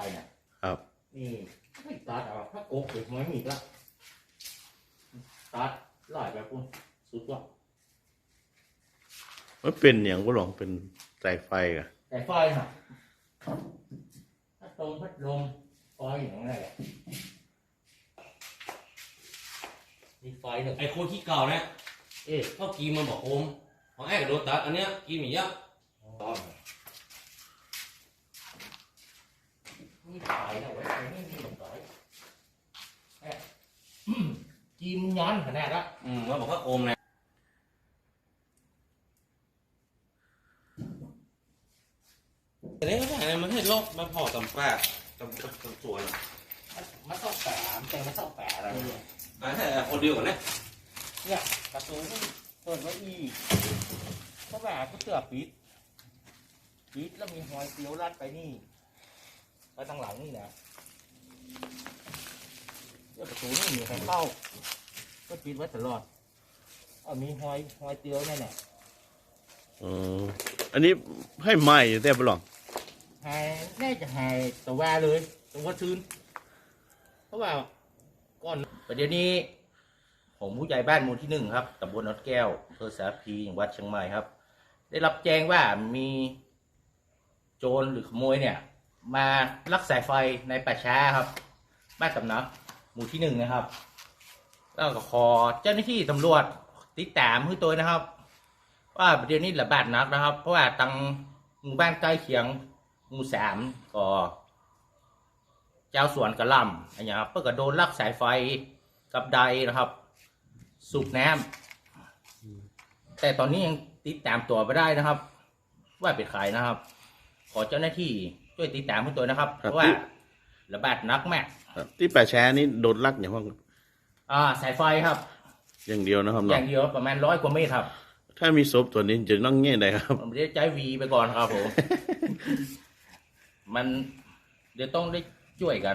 นะครับนี่ไม่ตัดเอาถ้าโกกเด็กไม่มีละตัดหลายแบบคุณสุดว่ะมันเป็นอย่างก็หลงเป็นสายไฟอะแต่ไฟน่ะพัดลมไฟอย่างไรมีไฟหนึ่งไอ้คนที่เก่าเนี่ยเขากีมันบอกโอมของไอ้กับโดนตัดอันเนี้ยกีมีเยอะมีไฟนะเว้ยไม่มีไฟกีมย้อนขนาดละว่าบอกว่าโอมเนี่ยแต่เนี่ยก็ได้มันให้โลกมาพอกับป้ากับสวนมันต้องแปะแต่มันต้องแปะอะไรเนี่ยแต่คนเดียวกันเนี่ยประตูเปิดไว้อีกเพราะแบบก็เสือปิดแล้วมีหอยเสียวรัดไปนี่ไปทางหลังนี่นะประตูนี่มีใครเข้าก็ปิดไว้ตลอดมีหอยเตียวนั่นแหละอันนี้ให้ไหม้แต่ปลองน่าจะหายตัวเลยตัวชื้นเพราะว่าก่อนประเดี๋ยวนี้ผมผู้ใหญ่บ้านหมู่ที่1ครับตำบลนนแก้วอำเภอสารพีจังหวัดเชียงใหม่ครับได้รับแจ้งว่ามีโจรหรือขโมยเนี่ยมาลักสายไฟในป่าช้าครับบ้านสำนักหมู่ที่1นะครับแล้วก็ขอเจ้าหน้าที่ตำรวจติดตามให้ตัวนะครับว่าประเด็นนี้ระบาดนักนะครับเพราะว่าทางหมู่บ้านใกล้เคียงหมู่3ก็เจ้าสวนกระลำอะไรอย่างเงี้ยครับเพื่อก็โดนลักสายไฟกับใดนะครับสูบน้ำแต่ตอนนี้ยังติดตามตัวไม่ได้นะครับ ว่าเป็นใครนะครับขอเจ้าหน้าที่ช่วยติดตามให้ตัวนะครับเพราะว่าระบาดนักแม่ที่ป่าแช้นี่โดนลักอย่างว่าสายไฟครับอย่างเดียวนะครับอย่างเดียวประมาณ100 กว่าเมตรครับถ้ามีศพตัวนี้จะต้องเงี้ยใดครับผมจะใจวีไปก่อนครับผมมันเดี๋ยวต้องได้ช่วยกัน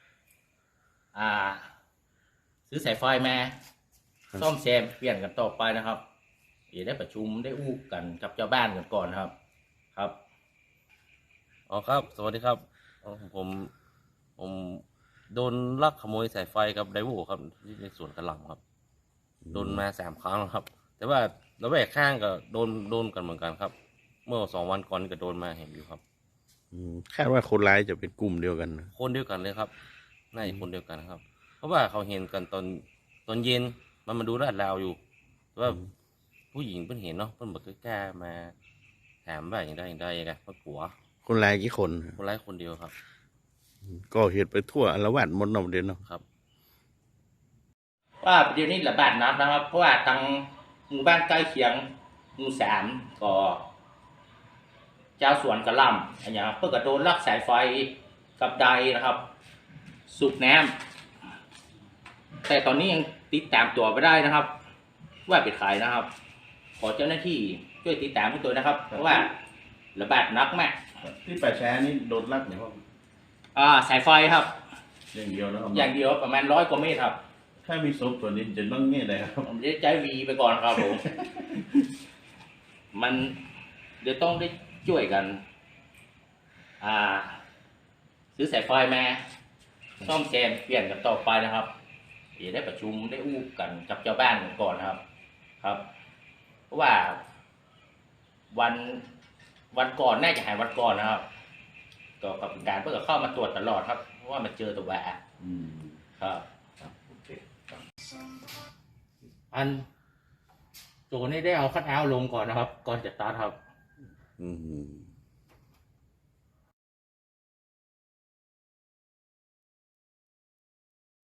ซื้อสายไฟมาซ่อมแซมเปลี่ยนกันต่อไปนะครับเดี๋ยวได้ประชุมได้อู้กันกับเจ้าบ้านกันก่อนครับครับอ๋อครับสวัสดีครับผมโดนลักขโมยสายไฟกับไดโวครับที่ในสวนกระหล่ำครับโดนมา3 ครั้งแล้วครับแต่ว่าระแวกข้างก็โดนกันเหมือนกันครับเมื่อ2 วันก่อนก็โดนมาเห็นอยู่ครับคาดว่าคนร้ายจะเป็นกลุ่มเดียวกันคนเดียวกันเลยครับน่าจะคนเดียวกันครับเพราะว่าเขาเห็นกันตอนเย็นมันมาดูลาดราวอยู่ว่าผู้หญิงเพิ่งเห็นเนาะเพิ่นบอกกล้ามาถามว่าอย่างใดกันเพราะกลัวคนร้ายกี่คนคนร้ายคนเดียวครับก็เหตุไปทั่วอารวาสหมดเนาะเด่นเนาะครับว่าเดี๋ยวนี้ระบาดนักนะครับเพราะว่าทางหมู่บ้านใกล้เคียงหมู่3ก็เจ้าสวนกระลำอะไรอย่างเงี้ยเพื่อก็โดนลักสายไฟกับใดนะครับสูบน้ำแต่ตอนนี้ยังติดตามตัวไม่ได้นะครับว่าเป็นใครนะครับขอเจ้าหน้าที่ช่วยติดตามให้ตัวนะครับเพราะว่าระบาดนักมากที่ป่าแช้นี่โดนลักอย่างว่าสายไฟครับอย่างเดียวนะครับอย่างเดียวประมาณ100 กว่าเมตรครับถ้ามีศพตัวนี้จะต้องเงี้ยใดครับผมจะใจวีไปก่อนครับผมมันเดี๋ยวต้องได้ช่วยกันซื้อสายไฟมาซ่อมแซมเปลี่ยนกันต่อไปนะครับเดี๋ยวได้ประชุมได้อู้กันกับเจ้าบ้านกันก่อนครับเพราะว่าวันก่อนน่าจะหายวันก่อนนะครับก็กับการเพื่อเข้ามาตรวจตลอดครับเพราะว่ามันเจอตัวแหวะครับอันโจนี่ได้เอาคัทเอาท์ลงก่อนนะครับก่อนจะตัดครับ